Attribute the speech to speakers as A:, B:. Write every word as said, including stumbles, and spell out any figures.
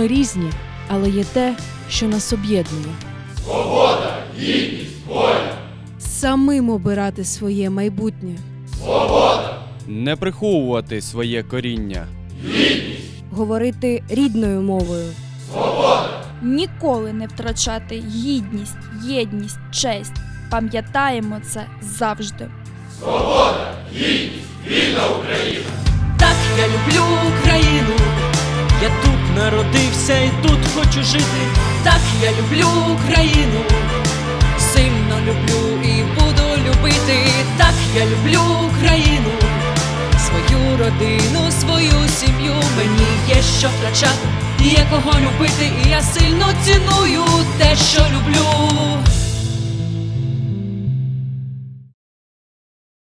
A: Ми різні, але є те, що нас об'єднує.
B: Свобода, гідність, воля.
A: Самим обирати своє майбутнє.
B: Свобода,
C: Не приховувати своє коріння.
B: гідність,
D: Говорити рідною мовою.
B: свобода,
E: Ніколи не втрачати гідність, єдність, честь. Пам'ятаємо це завжди.
B: свобода, гідність, вільна Україна.
F: Так я люблю Україну, я тут народився і тут хочу жити. Так я люблю Україну, сильно люблю і буду любити. Так я люблю Україну, свою родину, свою сім'ю. Мені є що втрачати, є кого любити, і я сильно ціную те, що люблю.